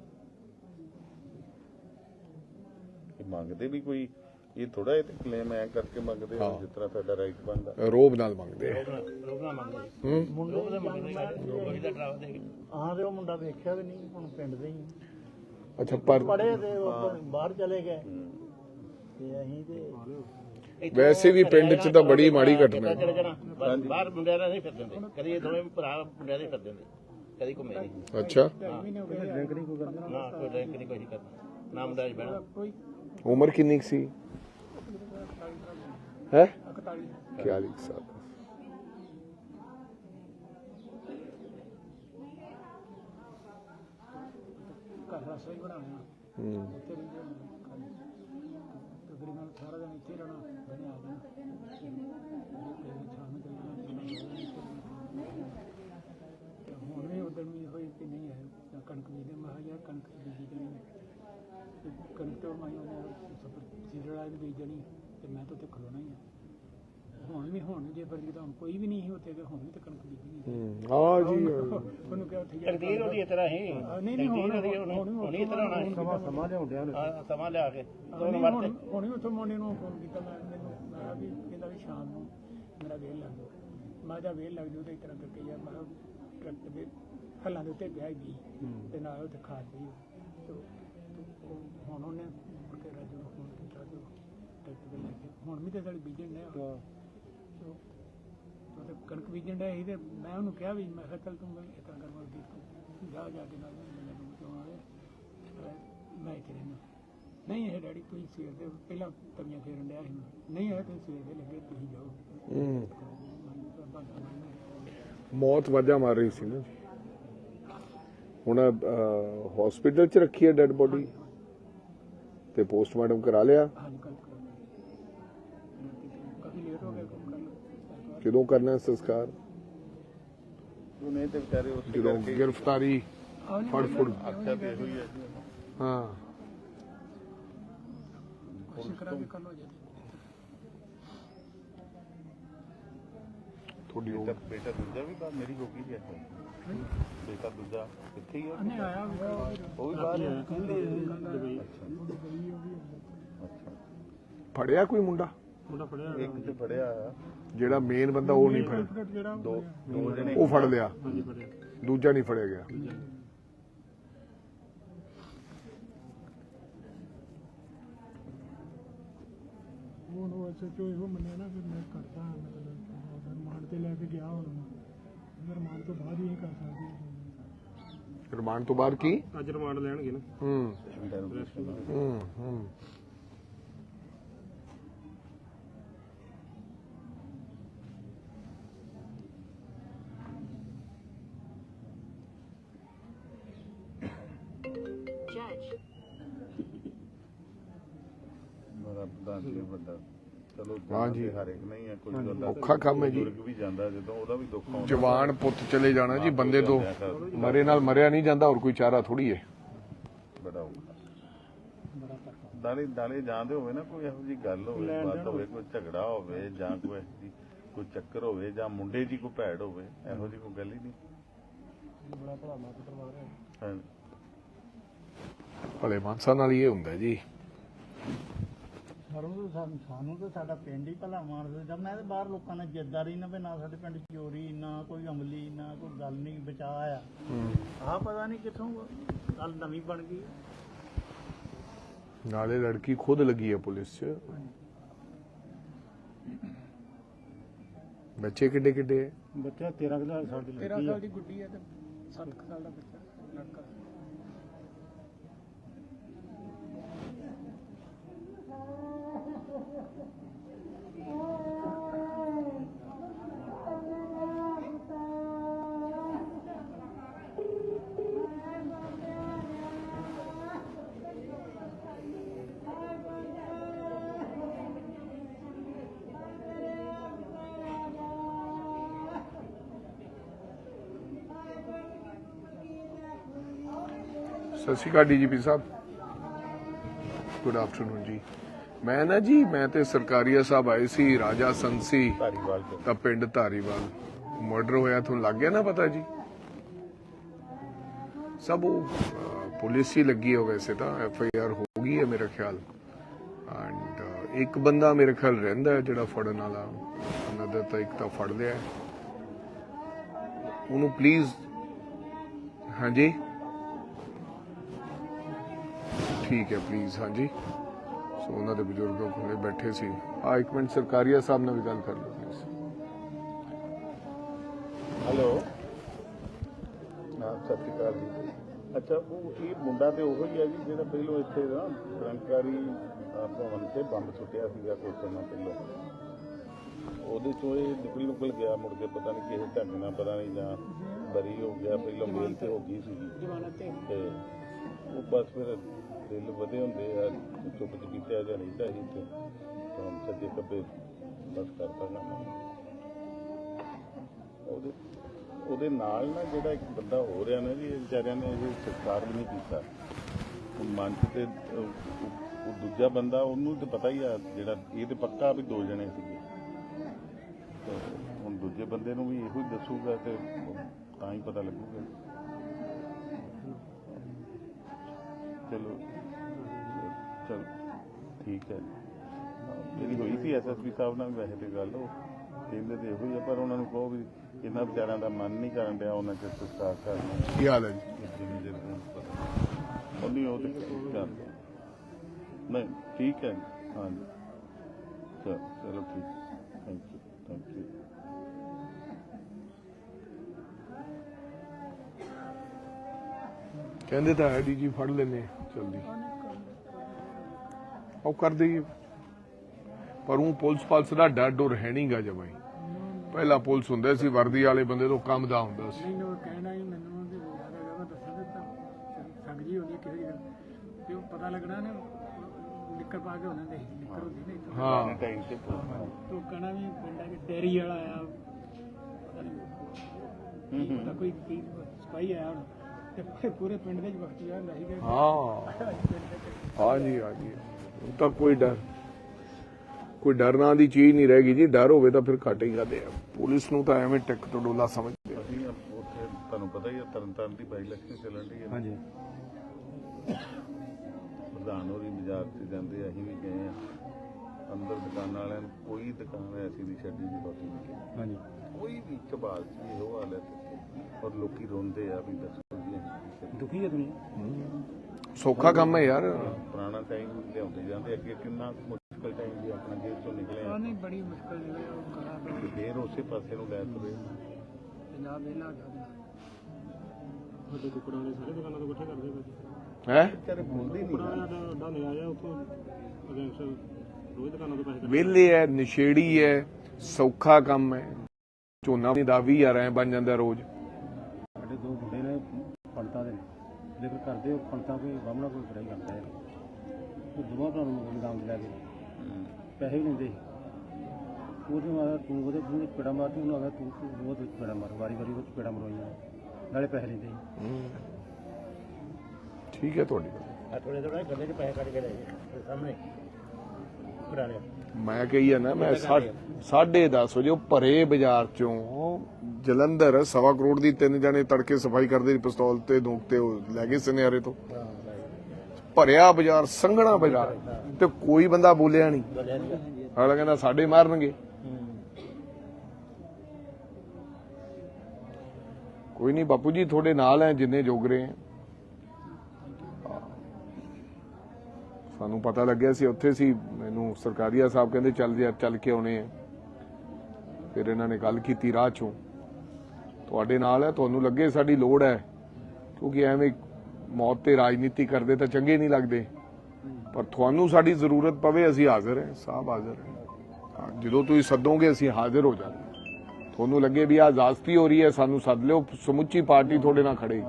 S3: ਇਹ ਮੰਗਦੇ ਵੀ ਕੋਈ ਇਹ ਥੋੜਾ ਇਹ ਕਲੇਮ ਐ ਕਰਕੇ ਮੰਗਦੇ ਆ ਜਿਸ ਤਰ੍ਹਾਂ ਸਾਡਾ ਰਾਈਟ ਬਣਦਾ।
S2: ਰੋਬ ਨਾਲ ਮੰਗਦੇ ਆ।
S1: ਰੋਬ ਨਾ ਮੰਗਦੇ
S2: ਹੂੰ,
S1: ਮੁੰਡੇ ਦੇ ਮੰਗਦੇ ਦਾ ਡਰਾਵਾ ਦੇ। ਹਾਂ ਤੇ ਉਹ ਮੁੰਡਾ ਵੇਖਿਆ ਵੀ ਨਹੀਂ, ਹੁਣ ਪਿੰਡ ਦੇ ਹੀ
S2: ਅੱਛਾ, ਪਰ
S1: ਪੜੇ ਤੇ ਉਹ ਬਾਹਰ ਚਲੇ ਗਏ ਤੇ ਅਸੀਂ ਤੇ
S2: ਵੈਸੇ ਵੀ ਪਿੰਡ 'ਚ ਤਾਂ ਬੜੀ ਮਾੜੀ ਘਟਨਾ ਹੈ।
S4: ਬਾਹਰ ਮੁੰਡਿਆਂ ਨਾਲ ਨਹੀਂ ਫਿਰ ਦਿੰਦੇ, ਕਦੀ ਇਹ ਦੋਵੇਂ ਭਰਾ ਮੁੰਡਿਆਂ ਦੇ ਫਿਰ ਦਿੰਦੇ, ਕਦੀ ਘੁੰਮੇ ਨਹੀਂ।
S2: ਅੱਛਾ,
S1: ਡਰਿੰਕ ਨਹੀਂ ਕੋਈ ਕਰਦਾ
S4: ਨਾ ਕੋਈ ਡਰਿੰਕ ਨਹੀਂ, ਕੋਈ ਕਰਦਾ ਨਾ ਮੁੰਡਾ ਜੀ ਬਹਿਣਾ।
S1: ਕੋਈ
S2: ਉਮਰ ਕਿੰਨੀ ਕੁ ਸੀ? ਹੈ
S1: ਇਕਤਾਲੀ
S2: ਚਾਲੀ ਸਾਲ।
S1: ਘਰ ਰਸੋਈ ਬਣਾਉਣਾ
S2: ਹੂੰ,
S1: ਉੱਥੇ ਰਹਿੰਦੇ ਤਕਰੀਬਨ ਸਾਰਾ ਦਿਨ ਇੱਥੇ ਰਹਿਣਾ ਬਣੇ ਆ ਜਾਣਾ ਸ਼ਾਮ ਨੂੰ ਤੇ ਹੁਣ ਵੀ ਉਦੋਂ ਵੀ ਹੋਈ ਕਿ ਨਹੀਂ ਹੈ ਜਾਂ ਕਣਕ ਬੀਜਦੇ। ਮੈਂ ਕਿਹਾ ਯਾਰ ਕਣਕ ਬੀਜੀ ਜਾਣੀ ਤੇ ਕਣਕ ਤੋਂ ਮੈਂ ਉਹਨੇ ਸੀਜ਼ਨ ਵਾਲੀ ਬੀਜ ਜਾਣੀ ਤੇ ਮੈਂ ਤਾਂ ਉੱਥੇ ਖਲੋਣਾ ਹੀ ਆ। ਹੁਣ ਵੀ ਹੁਣ ਜੇ ਫਿਰ ਜਦੋਂ ਕੋਈ ਵੀ ਨਹੀਂ ਸੀ ਉੱਥੇ ਤੇ ਹੁਣ ਵੀ ਤਾਂ ਕਣਕ ਬੀਜਣੀ
S2: ਹੂੰ ਆ ਜੀ
S1: ਉਹਨੂੰ ਕਿਹਾ ਉੱਥੇ ਜਾ
S4: ਤਕਦੀਰ ਉਹਦੀ ਇਸ ਤਰ੍ਹਾਂ ਹੀ
S1: ਨਹੀਂ ਨਹੀਂ ਹੁਣ
S4: ਹੁਣ ਇਸ ਤਰ੍ਹਾਂ ਹੋਣਾ
S1: ਸਮਾਂ ਸਮਾਂ ਲਿਆਉਂਦਿਆ
S4: ਹਾਂ, ਸਮਾਂ ਲਿਆ ਕੇ
S1: ਹੁਣ ਹੁਣ ਹੁਣ ਵੀ ਉੱਥੋਂ ਮੁੰਡੇ ਨੂੰ ਫੋਨ ਕੀਤਾ ਮੈਂ ਮੈਨੂੰ ਮੈਂ ਕਿਹਾ ਵੀ ਕਹਿੰਦਾ ਵੀ ਸ਼ਾਮ ਨੂੰ ਮੇਰਾ ਵੇਲ ਲੱਗ ਜਾਊ ਮੈਂ ਕਿਹਾ ਵੇਲ ਲੱਗ ਜਾਊ ਤੇ ਇਸ ਤਰ੍ਹਾਂ ਕਰਕੇ ਯਾਰ ਮੈਂ ਟਰੱਕ ਦੇ ਹੱਲਾਂ ਦੇ ਉੱਤੇ ਪਿਆ ਹੀ ਤੇ ਨਾਲ ਉੱਥੇ ਖਾਦ ਪਈ ਤੇ ਹੁਣ ਉਹਨੇ ਮੁੜ ਕੇ ਰਾਜੂ ਨੂੰ ਫੋਨ ਕੀਤਾ ਤੇ ਟਰੈਕਟਰ ਤੇ ਲੈ ਕੇ ਹੁਣ ਵੀ ਤੇ ਸਾਡੀ ਬੀਜਣ ਡਿਆ ਉਹ ਤੇ ਕਣਕ ਬੀਜਣ ਡਿਆ ਸੀ ਤੇ ਮੈਂ ਉਹਨੂੰ ਕਿਹਾ ਵੀ ਮੈਂ ਕਿਹਾ ਚੱਲ ਤੂੰ ਇਸ ਤਰ੍ਹਾਂ ਕਰ ਮਰਦੀ ਤੂੰ ਜਾ ਜਾ ਕੇ ਨਾਲ ਮੈਨੂੰ ਦੂਰ ਤੋਂ ਆਵੇ ਮੈਂ ਇੱਥੇ ਰਹਿਣਾ ਨਹੀਂ ਇਹ ਡੈਡੀ ਤੁਸੀਂ ਸਵੇਰ ਦੇ ਪਹਿਲਾਂ ਤਵੀਆਂ ਫੇਰਨ ਡਿਆ ਸੀ ਨਹੀਂ ਇਹ ਤੁਸੀਂ ਸਵੇਰ ਦੇ ਲੱਗੇ ਤੁਸੀਂ ਜਾਓ
S2: ਮੌਤ ਵਾਜਾ ਮਾਰ ਰਹੀ ਸੀ ਨਾ ਹੁਣ ਹਸਪੀਟਲ ਚ ਰੱਖੀ ਹੈ ਡੈਡ ਬੋਡੀ ਤੇ ਪੋਸਟਮਾਰਟਮ ਕਰਾ ਲਿਆ
S1: ਹਾਂਜੀ ਕੱਲ ਕਾਫੀ ਲੇਟ ਹੋ ਗਿਆ ਕੰਮ ਕਰਨ
S2: ਕਦੋਂ ਕਰਨਾ ਹੈ ਸੰਸਕਾਰ
S3: ਉਹਨੇ ਤੇ ਵਿਚਾਰੇ ਉਸ
S2: ਜਦੋਂ ਗ੍ਰਿਫਤਾਰੀ ਫੜ ਫੜ
S3: ਆਖਿਆ ਤੇ ਹੋਈ ਹੈ ਜੀ
S2: ਹਾਂ
S1: ਕੋਸ਼ਿਸ਼ ਕਰਾਂਗੇ ਕੱਲ ਹੋ ਜਾਏ
S2: ਤੁਹਾਡੀ ਉਹ
S3: ਬੇਟਾ ਬੇਟਾ ਦੂਜਾ ਵੀ ਬਾਹਰ ਮੇਰੀ ਗੋਗੀ ਗਿਆ ਬੇਟਾ ਦੂਜਾ ਕਿੱਥੇ ਹੀ
S1: ਨਹੀਂ ਆਇਆ
S3: ਉਹ ਵੀ ਬਾਹਰ
S2: ਫੜਿਆ ਕੋਈ ਮੁੰਡਾ
S3: ਇੱਕ ਤੇ ਫੜਿਆ
S2: ਜਿਹੜਾ ਮੇਨ ਬੰਦਾ ਉਹ ਨਹੀਂ ਫੜਿਆ
S1: ਜਿਹੜਾ
S3: ਦੋ ਦੋ ਜਣੇ
S2: ਉਹ ਫੜ ਲਿਆ ਦੂਜਾ ਨਹੀਂ ਫੜਿਆ ਗਿਆ
S1: ਹੁਣ ਉਹ ਐਸਐਚਓ ਇਹੋ ਮੰਨਿਆ ਨਾ ਫਿਰ ਮੈਂ ਕਰਦਾ ਮਤਲਬ ਰਿਮਾਂਡ ਤੇ ਲੈ ਕੇ ਗਿਆ ਹੁਣ ਰਿਮਾਂਡ ਤੋਂ ਬਾਅਦ ਹੀ ਇਹ ਕਰ ਸਕਦੇ
S2: ਰਿਮਾਂਡ ਤੋਂ ਬਾਅਦ ਕੀ
S5: ਅੱਜ ਰਿਮਾਂਡ ਲੈਣਗੇ ਨਾ
S2: ਹੂੰ ਹੂੰ ਹੂੰ
S3: ਬੜਾ ਪ੍ਰਧਾਨ ਜੀ ਵੱਡਾ ਚਲੋ
S2: ਹਾਂਜੀ।
S3: ਹਰ ਇੱਕ ਨਹੀਂ ਹੈ ਕੋਈ ਬੰਦਾ
S2: ਔਖਾ ਕੰਮ ਹੈ ਜੀ
S3: ਬਜ਼ੁਰਗ ਵੀ ਜਾਂਦਾ ਜਦੋਂ ਉਹਦਾ ਵੀ ਦੁੱਖ ਆਉਂਦਾ
S2: ਜਵਾਨ ਪੁੱਤ ਚਲੇ ਜਾਣਾ ਜੀ ਬੰਦੇ ਤੋਂ ਮਰੇ ਨਾਲ ਮਰਿਆ ਨਹੀਂ ਜਾਂਦਾ ਹੋਰ ਕੋਈ ਚਾਰਾ ਥੋੜੀ ਹੈ
S3: ਬੜਾ ਔਖਾ ਨਾਲੇ ਨਾਲੇ ਜਾਂਦੇ ਹੋਵੇ ਨਾ ਕੋਈ ਇਹੋ ਜੀ ਗੱਲ ਹੋਵੇ ਬਾਤ ਹੋਵੇ ਕੋਈ ਝਗੜਾ ਹੋਵੇ ਜਾਂ ਕੋਈ ਇਹੋ ਜਿਹੀ ਕੋਈ ਚੱਕਰ ਹੋਵੇ ਜਾਂ ਮੁੰਡੇ ਦੀ ਕੋਈ ਭੈੜ ਹੋਵੇ ਇਹੋ ਜੀ ਕੋਈ ਗੱਲ ਹੀ ਨਹੀਂ
S1: ਬੜਾ ਭਲਾ ਮਾਤ ਕਰਵਾ ਰਿਹਾ
S3: ਹਾਂ
S2: ਭਲੇ ਮਾਨਸਾ ਨਾਲ ਹੀ ਇਹ ਹੁੰਦਾ ਜੀ
S6: ਸਾਨੂੰ ਤਾਂ ਸਾਨੂੰ ਤਾਂ ਸਾਡਾ ਪਿੰਡ ਹੀ ਭਲਾ ਮਾਰਦਾ ਜਦ ਮੈਂ ਤਾਂ ਬਾਹਰ ਲੋਕਾਂ ਨੇ ਜਿੱਦਾਰੀ ਨਾ ਵੀ ਨਾ ਸਾਡੇ ਪਿੰਡ ਚੋਰੀ ਨਾ ਕੋਈ ਅਮਲੀ ਨਾ ਕੋਈ ਗੱਲ ਨਹੀਂ ਬਚਾ ਆ ਆਹ ਪਤਾ ਨਹੀਂ ਕਿੱਥੋਂ ਗੱਲ ਨਵੀਂ ਬਣ ਗਈ
S2: ਨਾਲੇ ਲੜਕੀ ਖੁਦ ਲੱਗੀ ਹੈ ਪੁਲਿਸ 'ਚ ਬੱਚੇ ਕਿੱਡੇ ਕਿੱਡੇ ਹੈ
S5: ਬੱਚਾ ਤੇਰਾਂ ਸਾਲ ਦੀ
S1: ਤੇਰਾਂ ਸਾਲ ਦੀ ਗੁੱਡੀ ਹੈ ਤੇ ਸੱਤ ਸਾਲ ਦਾ ਬੱਚਾ ਲੜਕਾ
S2: ਸਤਿ ਸ਼੍ਰੀ ਅਕਾਲ ਡੀਜੀਪੀ ਸਾਹਿਬ ਗੁੱਡ ਆਫਟਰਨੂਨ ਜੀ ਮੈਂ ਨਾ ਜੀ ਮੈਂ ਤੇ ਸਰਕਾਰੀਆ ਸਾਹਿਬ ਆਏ ਸੀ ਰਾਜਾ ਸੰਸੀ
S3: ਧਾਰੀਵਾਲ ਤੋਂ
S2: ਦਾ ਪਿੰਡ ਧਾਰੀਵਾਲ ਮਰਡਰ ਹੋਇਆ ਤੁਹਾਨੂੰ ਲੱਗ ਗਿਆ ਨਾ ਪਤਾ ਜੀ ਸਭ ਉਹ ਅਹ, ਪੁਲਿਸ ਹੀ ਲੱਗੀ ਹੋ ਵੈਸੇ ਤਾਂ ਐਫ ਆਈ ਆਰ ਹੋ ਗਈ ਹੈ ਮੇਰਾ ਖਿਆਲ ਐਂਡ ਇੱਕ ਬੰਦਾ ਮੇਰੇ ਖਿਆਲ ਰਹਿੰਦਾ ਹੈ ਜਿਹੜਾ ਫੜਨ ਵਾਲਾ ਅਨਦਰ ਤਾਂ ਇੱਕ ਤਾਂ ਫੜ ਲਿਆ ਉਹਨੂੰ ਪਲੀਜ਼ ਹਾਂਜੀ ਠੀਕ ਹੈ ਪਲੀਜ਼ ਹਾਂਜੀ ਸੋ ਉਹਨਾਂ ਦੇ ਬਜ਼ੁਰਗਾਂ ਕੋਲੇ ਬੈਠੇ ਸੀ ਆ ਇੱਕ ਮਿੰਟ ਸਰਕਾਰੀਆ ਸਾਹਿਬ ਨਾਲ ਵੀ ਗੱਲ ਕਰ ਲਓ ਪਲੀਜ਼
S3: ਹੈਲੋ ਹਾਂ ਸਤਿ ਸ਼੍ਰੀ ਅਕਾਲ ਜੀ ਅੱਛਾ ਉਹ ਇਹ ਮੁੰਡਾ ਤੇ ਉਹੋ ਹੀ ਹੈ ਜੀ ਜਿਹੜਾ ਪਹਿਲੋਂ ਇੱਥੇ ਨਾ ਕਰਮਚਾਰੀ ਭਵਨ ਤੇ ਬੰਬ ਸੁੱਟਿਆ ਸੀਗਾ ਕੁਝ ਸਮਾਂ ਪਹਿਲਾਂ ਉਹਦੇ ਚੋਂ ਇਹ ਨਿਕਲ ਨਿਕਲ ਗਿਆ ਮੁੜ ਕੇ ਪਤਾ ਨਹੀਂ ਕਿਸੇ ਢੰਗ ਨਾਲ ਪਤਾ ਨਹੀਂ ਜਾਂ ਬਰੀ ਹੋ ਗਿਆ ਪਹਿਲਾਂ ਮੇਲ ਤੇ ਹੋ ਗਈ ਸੀ
S1: ਜਵਾਨਾਂ ਤੇ
S3: ਤੇ ਉਹ ਬਸ ਫਿਰ ਦਿਲ ਵਧੇ ਹੁੰਦੇ ਆ ਚੁੱਪ ਚਪੀਤੇ ਜਾਂ ਨਹੀਂ ਚਾਹੀ ਤੇ ਤਾਂ ਸੱਜੇ ਕੱਪੇ ਬਸ ਕਰਤਾ ਨਾ ਉਹਦੇ ਉਹਦੇ ਨਾਲ ਨਾ ਜਿਹੜਾ ਇੱਕ ਬੰਦਾ ਹੋ ਰਿਹਾ ਨਾ ਜੀ ਇਹ ਵਿਚਾਰਿਆਂ ਨੇ ਇਹ ਸੰਸਕਾਰ ਵੀ ਨਹੀਂ ਕੀਤਾ ਮਨ 'ਚ ਤੇ ਉਹ ਦੂਜਾ ਬੰਦਾ ਉਹਨੂੰ ਤਾਂ ਪਤਾ ਹੀ ਆ ਜਿਹੜਾ ਇਹ ਤੇ ਪੱਕਾ ਵੀ ਦੋ ਜਣੇ ਸੀਗੇ ਤੇ ਹੁਣ ਦੂਜੇ ਬੰਦੇ ਨੂੰ ਵੀ ਇਹੋ ਹੀ ਦੱਸੂਗਾ ਤੇ ਤਾਂ ਹੀ ਪਤਾ ਲੱਗੂਗਾ। ਚਲੋ ਚਲ ਠੀਕ ਹੈ। ਜਿਹੜੀ ਹੋਈ ਸੀ ਐਸ ਐਸ ਪੀ ਸਾਹਿਬ ਨਾਲ ਵੈਸੇ ਤੇ ਗੱਲ ਉਹ ਕਹਿੰਦੇ ਤੇ ਇਹੋ ਹੀ ਆ, ਪਰ ਉਹਨਾਂ ਨੂੰ ਕਹੋ ਵੀ ਇਹਨਾਂ ਵਿਚਾਰਿਆਂ ਦਾ ਮਨ ਨਹੀਂ ਕਰਨ ਡਿਆ ਉਹਨਾਂ ਚ ਸੰਸਕਾਰ ਕਰਨਾ।
S2: ਕੀ ਹਾਲ ਹੈ ਜੀ?
S3: ਜਿੰਨੀ ਦੇਰ ਪਤਾ ਉਹ ਨਹੀਂ ਉਹ ਤੇ ਕਰ ਨਹੀਂ ਠੀਕ ਹੈ ਹਾਂਜੀ ਚਲੋ ਚਲੋ ਠੀਕ ਥੈਂਕ ਯੂ ਥੈਂਕ ਯੂ।
S2: ਕਹਿੰਦੇ ਤਾਂ ਹੈ ਡੀ ਜੀ ਫੜ ਲੈਨੇ ਜਲਦੀ ਉਹ ਕਰ ਦੇਈਏ, ਪਰ ਉਹ ਪੁਲਿਸ ਪਾਲਸ ਦਾ ਡਰ ਡਰ ਹੈ ਨਹੀਂਗਾ ਜਮਾਈ। ਪਹਿਲਾਂ ਪੁਲਿਸ ਹੁੰਦੇ ਸੀ ਵਰਦੀ ਵਾਲੇ ਬੰਦੇ ਤੋਂ ਕੰਮ ਦਾ ਹੁੰਦਾ ਸੀ।
S1: ਨਹੀਂ ਉਹ ਕਹਿਣਾ ਹੀ ਮੈਨੂੰ ਉਹਦੇ ਯਾਦ ਹੈਗਾ ਮੈਂ ਦੱਸ ਦਿੱਤਾ ਸੰਗ ਜੀ ਹੁੰਦੀ ਕਿਸੇ ਦੀ ਤੇ ਉਹ ਪਤਾ ਲੱਗਣਾ ਨਾ ਨਿੱਕਰ ਪਾ ਕੇ ਉਹਨਾਂ ਦੇ ਨਿੱਕਰ ਹੁੰਦੀ ਨਹੀਂ
S2: ਹਾਂ
S3: ਟਾਈਮ ਤੇ
S1: ਉਹ ਕਹਿਣਾ ਵੀ ਪਿੰਡਾਂ ਦੇ ਡੇਰੀ ਵਾਲਾ ਆਇਆ ਪਤਾ ਨਹੀਂ ਕੀ ਪਤਾ ਕੋਈ ਕੀ ਸਪਾਈ ਆਇਆ ਹੁਣ ਤੇ ਪੂਰੇ ਪਿੰਡ ਦੇ ਵਕਤ ਯਾਰ ਰਹੀ ਗਏ।
S2: ਹਾਂ ਹਾਂ ਜੀ ਹਾਂ ਜੀ ਹੁਣ ਤਾਂ ਕੋਈ ਡਰ ਕੋਈ ਡਰ ਨਾਂ ਦੀ ਚੀਜ਼ ਨਹੀਂ ਰਹਿ ਗਈ ਜੀ। ਡਰ ਹੋਵੇ ਤਾਂ ਫਿਰ ਘੱਟ ਹੀ ਕਰਦੇ ਆ। ਪੁਲਿਸ ਨੂੰ ਤਾਂ ਐਵੇਂ ਟਿਕ ਤੋਂ ਡੋਲਾ ਸਮਝਦੇ ਆ।
S3: ਅਸੀਂ ਉੱਥੇ ਤੁਹਾਨੂੰ ਪਤਾ ਹੀ ਆ ਤਰਨ ਤਾਰਨ ਦੀ ਬਾਈ ਇਲੈਕਸ਼ਨ ਚੱਲਣ ਦੀ ਹੈ।
S5: ਹਾਂਜੀ
S3: ਪ੍ਰਧਾਨ ਹੋਰੀ ਬਾਜ਼ਾਰ 'ਚ ਜਾਂਦੇ ਅਸੀਂ ਵੀ ਗਏ ਆ ਅੰਦਰ ਦੁਕਾਨਾਂ ਵਾਲਿਆਂ ਨੂੰ ਕੋਈ ਦੁਕਾਨ ਐਸੀ ਨਹੀਂ ਛੱਡੀ ਜੀ ਬਾਕੀ
S5: ਹਾਂਜੀ
S3: ਕੋਈ ਵੀ ਕਬਾਲ 'ਚ ਵੀ ਇਹੋ ਹਾਲ ਹੈ ਔਰ ਲੋਕੀ ਰੋਂਦੇ ਆ ਵੀ ਦੱਸੋ ਜੀ ਅਸੀਂ
S5: ਦੁਖੀ ਹੈ ਦੁਨੀਆ।
S2: ਸੌਖਾ ਕੰਮ ਹੈ ਯਾਰ।
S3: ਪੁਰਾਣਾ ਟਾਈਮ ਲਿਆਉਂਦੇ ਜਾਂਦੇ ਅੱਗੇ ਕਿੰਨਾ ਮੁਸ਼ਕਲ ਟਾਈਮ ਵੀ ਆਪਣਾ ਜੇਲ੍ਹ ਚੋਂ ਨਿਕਲੇ ਆ
S1: ਨਹੀਂ ਬੜੀ ਮੁਸ਼ਕਲ ਜਿਵੇਂ ਉਹ ਕਰਾ
S3: ਤੇ ਫੇਰ ਉਸੇ ਪਾਸੇ ਨੂੰ ਲੈ ਤੁਰੇ।
S1: ਪੰਜਾਬ ਵੇਲਾ ਗਿਆ
S5: ਵੱਡੇ ਕੁਕੜਾਂ ਦੇ ਸਾਰੇ ਦੁਕਾਨਾਂ ਤੋਂ ਇਕੱਠੇ ਕਰਦੇ ਪਏ।
S2: ਹੈ
S3: ਵਿਚਾਰੇ ਬੋਲਦੇ ਨਹੀਂ
S5: ਕੁਕੜਾਂ ਦਾ ਅੱਡਾ ਲਿਆ ਜਾ ਉੱਥੋਂ ਅਗੇਂਸਟ ਰੋਜ਼ ਦੁਕਾਨਾਂ ਤੋਂ ਪੈਸੇ
S2: ਵਿਹਲੇ ਹੈ ਨਸ਼ੇੜੀ ਹੈ ਸੌਖਾ ਕੰਮ ਹੈ। ਝੋਨਾ ਦਾ ਵੀਹ ਹਜ਼ਾਰ ਐ ਬਣ ਜਾਂਦਾ ਰੋਜ਼।
S5: ਸਾਡੇ ਦੋ ਮੁੰਡੇ ਨੇ ਪੰਡਤਾਂ ਦੇ ਨੇ ਲੇਕਿਨ ਕਰਦੇ ਉਹ ਪੰਡਤਾਂ ਕੋਈ ਬਾਹਮਣਾ ਕੋਈ ਬੜਾਈ ਕਰਦਾ ਹੈ। ਉਹ ਦੋਵਾਂ ਭਰਾਵਾਂ ਨੂੰ ਗੋਦਾਮ 'ਚ ਲੈ ਕੇ ਪੈਸੇ ਵੀ ਲੈਂਦੇ ਸੀ। ਉਹਦੇ ਮਾਰਾ ਤੂੰ ਉਹਦੇ ਮੂੰਹ 'ਚ ਪੇੜਾ ਮਾਰ ਤੂੰ ਉਹਨੂੰ ਆਖਿਆ ਤੂੰ ਤੂੰ ਉਹਦੇ ਵਿੱਚ ਪੇੜਾ ਮਾਰ ਵਾਰੀ ਵਾਰੀ ਉਹ 'ਚ ਪੇੜਾ ਮਰਵਾਈਆਂ ਨਾਲੇ ਪੈਸੇ ਲੈਂਦੇ ਸੀ।
S2: ਠੀਕ ਹੈ ਤੁਹਾਡੀ ਗੱਲ।
S4: ਆ ਥੋੜੇ ਥੋੜਾ ਗੱਲੇ 'ਚ ਪੈਸੇ ਕੱਢ ਕੇ ਲੈ ਗਏ ਸਾਹਮਣੇ ਪੁਰਾਣੇ
S2: ਮੈਂ ਕਹੀ ਆ ਨਾ ਮੈਂ ਸਾਢੇ ਦਸ ਵਜੇ ਉਹ ਭਰੇ ਬਾਜ਼ਾਰ ਚੋਂ ਜਲੰਧਰ ਸਵਾ ਕਰੋੜ ਦੀ ਤਿੰਨ ਜਣੇ ਤੜਕੇ ਸਫਾਈ ਕਰਦੇ ਪਿਸਤੌਲ ਤੇ ਦੂਕ ਤੇ ਉਹ ਲੈ ਗਏ ਸੁਨਿਆਰੇ ਤੋਂ। ਭਰਿਆ ਬਾਜ਼ਾਰ ਸੰਘਣਾ ਬਾਜ਼ਾਰ ਤੇ ਕੋਈ ਬੰਦਾ ਬੋਲਿਆ ਨਹੀਂ। ਅਗਲਾ ਕਹਿੰਦਾ ਸਾਡੇ ਮਾਰਨਗੇ। ਕੋਈ ਨਹੀਂ ਬਾਪੂ ਜੀ ਤੁਹਾਡੇ ਨਾਲ ਹੈ ਜਿੰਨੇ ਜੋਗਰੇ ਹੈ। ਸਾਨੂੰ ਪਤਾ ਲੱਗਿਆ ਸੀ ਉੱਥੇ ਸੀ ਮੈਨੂੰ ਸਰਕਾਰੀਆ ਸਾਹਿਬ ਕਹਿੰਦੇ ਚੱਲ ਯਾਰ ਚੱਲ ਕੇ ਆਉਣੇ ਆ। ਫਿਰ ਇਹਨਾਂ ਨੇ ਗੱਲ ਕੀਤੀ ਰਾਹ ਚੋਂ ਤੁਹਾਡੇ ਨਾਲ ਹੈ ਤੁਹਾਨੂੰ ਲੱਗੇ ਸਾਡੀ ਲੋੜ ਹੈ ਕਿਉਂਕਿ ਐਵੇਂ ਮੌਤ ਤੇ ਰਾਜਨੀਤੀ ਕਰਦੇ ਤਾਂ ਚੰਗੇ ਨਹੀਂ ਲੱਗਦੇ ਪਰ ਤੁਹਾਨੂੰ ਸਾਡੀ ਜ਼ਰੂਰਤ ਪਵੇ ਅਸੀਂ ਹਾਜ਼ਰ ਹਾਂ ਸਾਹਿਬ ਹਾਜ਼ਰ ਹਾਂ। ਜਦੋਂ ਤੁਸੀਂ ਸੱਦੋਗੇ ਅਸੀਂ ਹਾਜ਼ਰ ਹੋ ਜਾਵਾਂਗੇ। ਤੁਹਾਨੂੰ ਲੱਗੇ ਵੀ ਆਹ ਜ਼ਾਜ਼ਤੀ ਹੋ ਰਹੀ ਹੈ ਸਾਨੂੰ ਸੱਦ ਲਿਓ ਸਮੁੱਚੀ ਪਾਰਟੀ ਤੁਹਾਡੇ ਨਾਲ ਖੜੇ।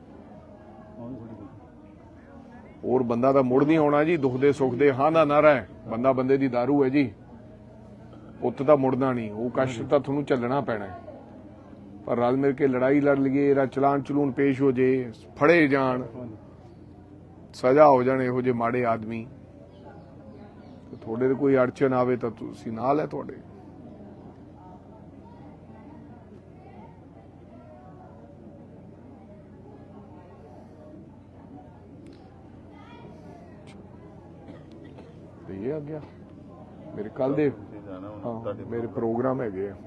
S2: ਹੋਰ ਬੰਦਾ ਤਾਂ ਮੁੜ ਨਹੀਂ ਆਉਣਾ ਜੀ। ਦੁੱਖ ਦੇ ਸੁੱਖ ਦੇ ਹਾਂ ਦਾ ਨਾਰਾ ਹੈ। ਬੰਦਾ ਬੰਦੇ ਦੀ ਦਾਰੂ ਹੈ ਜੀ। ਪੁੱਤ ਤਾਂ ਮੁੜਨਾ ਨਹੀਂ। ਉਹ ਕਸ਼ਟ ਤਾਂ ਤੁਹਾਨੂੰ ਝੱਲਣਾ ਪੈਣਾ ਹੈ ਪਰ ਰਲ ਮਿਲ ਕੇ ਲੜਾਈ ਲੜ ਲਈਏ ਇਹਦਾ ਚਲਾਨ ਚਲੂਨ ਪੇਸ਼ ਹੋ ਜੇ ਫੜੇ ਜਾਣ ਸਜ਼ਾ ਹੋ ਜਾਣ ਇਹੋ ਜਿਹੇ ਮਾੜੇ ਆਦਮੀ ਤੁਹਾਡੇ ਤੇ ਕੋਈ ਅੜਚਨ ਆਵੇ ਤਾਂ ਤੁਸੀਂ ਨਾਲ ਹੈ ਤੁਹਾਡੇ। ਇਹ ਆ ਗਿਆ ਮੇਰੇ ਕੱਲ ਦੇ
S3: ਜਾਣਾ ਹੁਣ
S2: ਹਾਂ
S3: ਤੁਹਾਡੇ
S2: ਮੇਰੇ ਪ੍ਰੋਗਰਾਮ ਹੈਗੇ ਆ।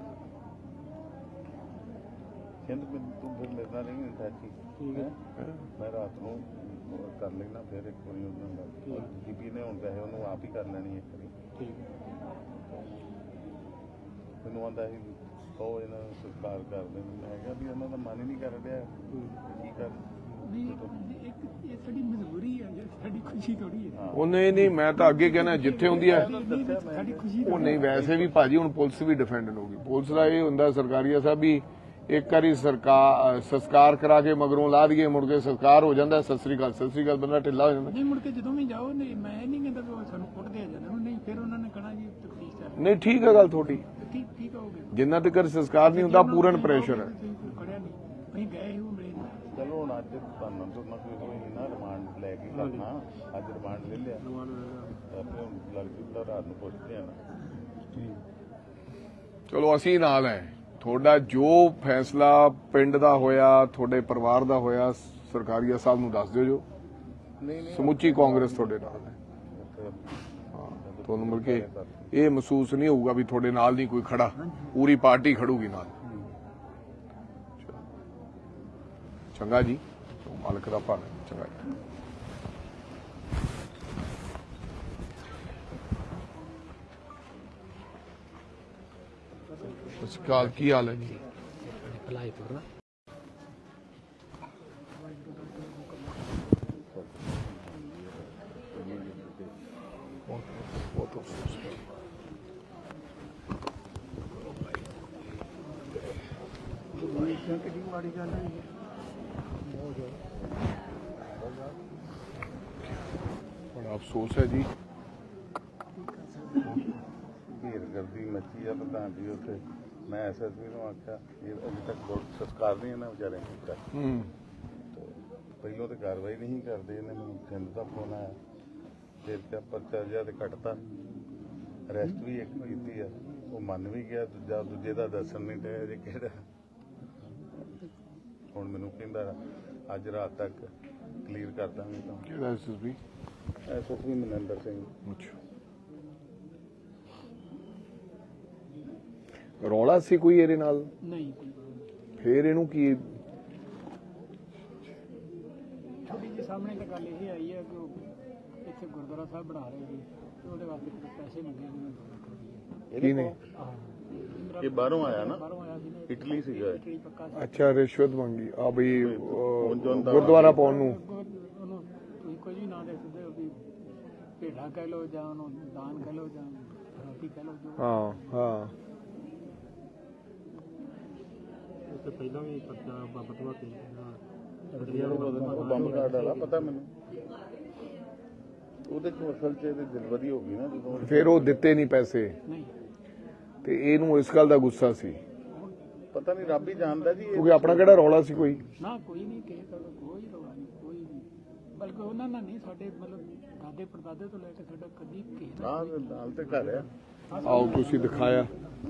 S3: ਕਹਿੰਦੇ ਮੈਨੂੰ ਤੂੰ ਫਿਰ ਮੇਰੇ ਨਾਲ ਨਹੀਂ ਟੈਚੀ ਠੀਕ ਹੈ ਮੈਂ ਰਾਤ ਨੂੰ ਕਰ ਲੈਣਾ ਫਿਰ ਇੱਕ ਵਾਰੀ ਉਹਨਾਂ ਨਾਲ ਜੀਪੀ ਨੇ ਹੁਣ ਪੈਸੇ ਉਹਨੂੰ ਆਪ ਹੀ ਕਰ ਲੈਣੀ ਇੱਕ ਵਾਰੀ ਠੀਕ ਮੈਨੂੰ ਆਂਦਾ ਸੀ ਉਹ ਇਹਨਾਂ ਨੂੰ ਸਤਿਕਾਰ ਕਰਦੇ ਮੈਂ ਕਿਹਾ ਵੀ ਉਹਨਾਂ ਦਾ ਮਨ ਹੀ ਨਹੀਂ ਕਰ ਰਿਹਾ ਕੀ ਕਰ
S1: ਨਹੀਂ ਇੱਕ ਇਹ ਸਾਡੀ ਮਜਬੂਰੀ ਹੈ ਸਾਡੀ ਖੁਸ਼ੀ ਥੋੜੀ ਹੈ।
S2: ਉਹ ਨਹੀਂ ਨਹੀਂ ਮੈਂ ਤਾਂ ਅੱਗੇ ਕਹਿਣਾ ਜਿੱਥੇ ਹੁੰਦੀ ਹੈ
S1: ਸਾਡੀ ਖੁਸ਼ੀ
S2: ਉਹ ਨਹੀਂ ਵੈਸੇ ਵੀ ਭਾਜੀ ਹੁਣ ਪੁਲਿਸ ਵੀ ਡਿਫੈਂਡ ਹੋਊਗੀ। ਪੁਲਿਸ ਦਾ ਇਹ ਹੁੰਦਾ ਸਰਕਾਰੀਆ ਸਾਹਿਬ ਵੀ ਇੱਕ ਵਾਰੀ ਸਰਕਾਰ ਸੰਸਕਾਰ ਕਰਾ ਕੇ ਮਗਰੋਂ ਲਾ ਦਈਏ ਮੁੜ ਕੇ ਸੰਸਕਾਰ ਹੋ ਜਾਂਦਾ ਸਤਿ ਸ੍ਰੀ ਅਕਾਲ ਸਤਿ ਸ੍ਰੀ ਅਕਾਲ ਬੰਦਾ ਢਿੱਲਾ ਹੋ ਜਾਂਦਾ।
S1: ਨਹੀਂ ਮੁੜ ਕੇ ਜਦੋਂ ਵੀ ਜਾਓ ਨਹੀਂ ਮੈਂ ਨਹੀਂ ਕਹਿੰਦਾ ਵੀ ਉਹ ਸਾਨੂੰ ਕੁੱਟਦੇ ਆ ਜਾਂਦੇ ਨਹੀਂ ਫਿਰ ਉਹਨਾਂ ਨੇ ਕਹਣਾ ਜੀ ਤਫਤੀਸ਼ ਕਰ
S2: ਨਹੀਂ ਠੀਕ ਹੈ ਗੱਲ ਤੁਹਾਡੀ।
S1: ਠੀਕ ਠੀਕ ਹੋਗੇ
S2: ਜਿੰਨਾ ਤੱਕ ਸੰਸਕਾਰ ਨਹੀਂ ਹੁੰਦਾ ਪੂਰਨ ਪ੍ਰੈਸ਼ਰ ਹੈ।
S1: ਖੜਿਆ ਨਹੀਂ ਅਸੀਂ ਗਏ ਹੀ ਉਹ ਮਿਲੇ ਨਹੀਂ।
S3: ਚਲੋ ਹੁਣ ਅੱਜ ਤੁਹਾਨੂੰ ਤੋਂ ਨਾ ਕੋਈ ਹੋਈ ਨਾ ਰਿਮਾਂਡ ਲੈ ਕੇ ਕਰਨਾ ਅੱਜ ਰਿਮਾਂਡ ਲੈ ਲਿਆ ਆਪੇ ਹੁਣ ਲੱਗ ਜੂਦਾ ਰਾਤ ਨੂੰ ਪੁੱਛਦੇ ਆ ਨਾ
S2: ਚਲੋ ਅਸੀਂ ਨਾਲ ਹੈ। ਤੁਹਾਡਾ ਜੋ ਫੈਸਲਾ ਪਿੰਡ ਦਾ ਹੋਇਆ, ਤੁਹਾਡੇ ਪਰਿਵਾਰ ਦਾ ਹੋਇਆ, ਸਰਕਾਰੀਆ ਸਾਹਿਬ ਨੂੰ ਦੱਸ ਦਿਓ ਜੋ।
S3: ਨਹੀਂ ਨਹੀਂ
S2: ਸਮੁੱਚੀ ਕਾਂਗਰਸ ਤੁਹਾਡੇ ਨਾਲ ਹੈ। ਹਾਂ, ਤੁਹਾਨੂੰ ਮਿਲ ਕੇ ਇਹ ਮਹਿਸੂਸ ਨਹੀਂ ਹੋਊਗਾ ਵੀ ਤੁਹਾਡੇ ਨਾਲ ਨਹੀਂ ਕੋਈ ਖੜਾ, ਪੂਰੀ ਪਾਰਟੀ ਖੜੂਗੀ ਨਾਲ। ਚੰਗਾ ਜੀ, ਮਾਲਕ ਦਾ ਭਾਣਾ। ਚੰਗਾ ਜੀ। ਸਤਿ ਸ਼੍ਰੀ ਅਕਾਲ, ਕੀ ਹਾਲ ਹੈ ਜੀ? ਬਹੁਤ ਅਫਸੋਸ ਹੈ।
S1: ਕਿੰਨੀ ਮਾੜੀ ਗੱਲ ਹੈ
S2: ਬੜਾ ਅਫਸੋਸ ਹੈ ਜੀ।
S3: ਭੀੜ ਗਰਦੀ ਮੱਚੀ ਆ ਪ੍ਰਧਾਨ ਜੀ ਉੱਥੇ। ਮੈਂ ਐਸਐਸਪੀ ਨੂੰ ਆਖਿਆ ਇਹ ਅਜੇ ਤੱਕ ਬਹੁਤ ਸੰਸਕਾਰ ਨਹੀਂ ਇਹਨਾਂ ਵਿਚਾਰਿਆਂ ਨੇ ਕੀਤਾ।
S2: ਹੂੰ
S3: ਪਹਿਲੋਂ ਤਾਂ ਕਾਰਵਾਈ ਨਹੀਂ ਕਰਦੇ, ਇਹਨੇ ਮੈਨੂੰ ਸਿੰਧ ਦਾ ਫੋਨ ਆਇਆ, ਫਿਰ ਤੇ ਪਰਚਾ ਜਿਹਾ ਤੇ ਕੱਟਤਾ। ਅਰੈਸਟ ਵੀ ਇੱਕ ਕੀਤੀ ਆ, ਉਹ ਮੰਨ ਵੀ ਗਿਆ, ਦੂਜਾ ਦੂਜੇ ਦਾ ਦੱਸਣ ਨਹੀਂ ਡਿਆ ਜੇ ਕਿਹੜਾ। ਹੁਣ ਮੈਨੂੰ ਕਹਿੰਦਾ ਅੱਜ ਰਾਤ ਤੱਕ ਕਲੀਅਰ ਕਰ ਦਾਂਗੇ ਤਾਂ।
S2: ਕਿਹੜਾ ਐਸਐਸਪੀ?
S3: ਐਸਐਸਪੀ ਮਨਿੰਦਰ ਸਿੰਘ।
S2: ਅੱਛਾ, ਰੌਲਾ ਸੀ ਕੋਈ ਇਹਦੇ ਨਾਲ?
S1: ਨਹੀਂ ਕੋਈ ਗੱਲ ਨਹੀਂ।
S2: ਫੇਰ ਇਹਨੂੰ ਕੀ?
S1: ਛੋਟੀ ਜੀ ਸਾਹਮਣੇ ਤਾਂ ਗੱਲ ਇਹ ਆਈ ਹੈ ਕਿ ਉਹ ਇੱਥੇ ਗੁਰਦੁਆਰਾ ਸਾਹਿਬ ਬਣਾ ਰਹੇ ਸੀ ਤੇ ਉਹਦੇ ਵਾਸਤੇ ਕੁਝ ਪੈਸੇ ਮੰਗੇ ਸੀ ਦੋ ਲੱਖ ਰੁਪਏ।
S2: ਕੀ ਨੇ?
S3: ਇਹ ਬਾਹਰੋਂ ਆਇਆ ਨਾ,
S1: ਬਾਹਰੋਂ ਆਇਆ ਸੀ ਨਾ,
S3: ਇਟਲੀ ਸੀਗਾ।
S1: ਇਟਲੀ ਪੱਕਾ ਸੀ।
S2: ਅੱਛਾ, ਰਿਸ਼ਵਤ ਮੰਗੀ ਆ ਬਈ ਅਹ, ਗੁਰਦੁਆਰਾ ਪਾਉਣ ਨੂੰ।
S1: ਉਹਨੂੰ ਤੁਸੀਂ ਕੁਝ ਵੀ ਨਾ ਦੇ ਸਕਦੇ ਹੋ ਵੀ ਭੇਡਾ ਕਹਿ ਲਓ ਜਾਂ ਉਹਨੂੰ ਦਾਨ ਕਹਿ ਲਓ ਜਾਂ ਰੋਟੀ ਕਹਿ ਲਓ ਜੋ।
S2: ਹਾਂ ਹਾਂ,
S5: ਉਸ ਤੋਂ ਪਹਿਲਾਂ ਵੀ ਪਰਚਾ ਬਾਬਾ ਤੋਂ ਕੇ
S3: ਉਹ ਬੰਬ ਕਾਰਡ ਵਾਲਾ ਪਤਾ ਮੈਨੂੰ। ਉਹਦੇ ਚ ਅਸਲ ਚ ਇਹਦੀ ਦਿਲਬਦੀ ਹੋ ਗਈ ਨਾ ਜਦੋਂ।
S2: ਫਿਰ ਉਹ ਦਿੱਤੇ ਨਹੀਂ ਪੈਸੇ
S1: ਨਹੀਂ
S2: ਤੇ ਇਹਨੂੰ ਇਸ ਗੱਲ ਦਾ ਗੁੱਸਾ ਸੀ,
S3: ਪਤਾ ਨਹੀਂ, ਰੱਬ ਹੀ ਜਾਣਦਾ ਜੀ।
S2: ਕਿਉਂਕਿ ਆਪਣਾ ਕਿਹੜਾ ਰੌਲਾ ਸੀ ਕੋਈ।
S1: ਨਾ ਕੋਈ ਨਹੀਂ ਕਿਸੇ ਦਾ ਕੋਈ ਰੌਲਾ ਨਹੀਂ, ਕੋਈ ਨਹੀਂ। ਬਲਕਿ ਉਹਨਾਂ ਨਾਲ ਨਹੀਂ, ਸਾਡੇ ਮਤਲਬ ਦਾਦੇ ਪੜਦਾਦੇ ਤੋਂ ਲੈ ਕੇ ਸਾਡਾ ਕਦੀ ਕਿਸੇ ਦਾ
S3: ਹਾਂ ਨਾਲ ਤੇ ਘਰ ਆ।
S2: ਆਓ ਤੁਸੀਂ ਦਿਖਾਇਆ।